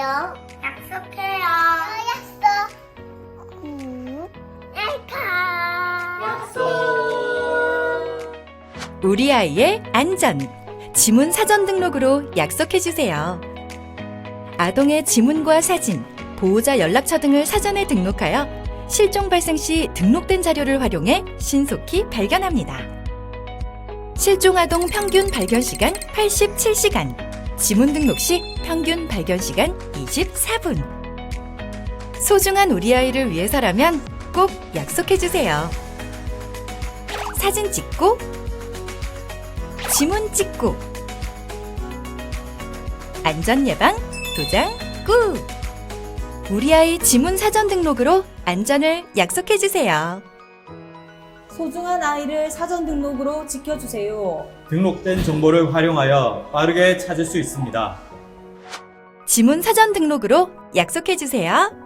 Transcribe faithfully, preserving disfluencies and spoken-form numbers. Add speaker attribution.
Speaker 1: 약속해요. 약속해요. 약속. 음. 약속.
Speaker 2: 우리 아이의 안전. 지문 사전 등록으로 약속해주세요. 아동의 지문과 사진, 보호자 연락처 등을 사전에 등록하여 실종 발생 시 등록된 자료를 활용해 신속히 발견합니다. 실종 아동 평균 발견 시간 팔십칠 시간, 지문 등록 시 평균 발견 시간 이십사 분. 소중한 우리 아이를 위해서라면 꼭 약속해주세요. 사진 찍고, 지문 찍고, 안전 예방 도장 꾹! 우리 아이 지문 사전 등록으로 안전을 약속해주세요.
Speaker 3: 소중한 아이를 사전 등록으로 지켜주세요.
Speaker 4: 등록된 정보를 활용하여 빠르게 찾을 수 있습니다.
Speaker 2: 지문 사전 등록으로 약속해주세요.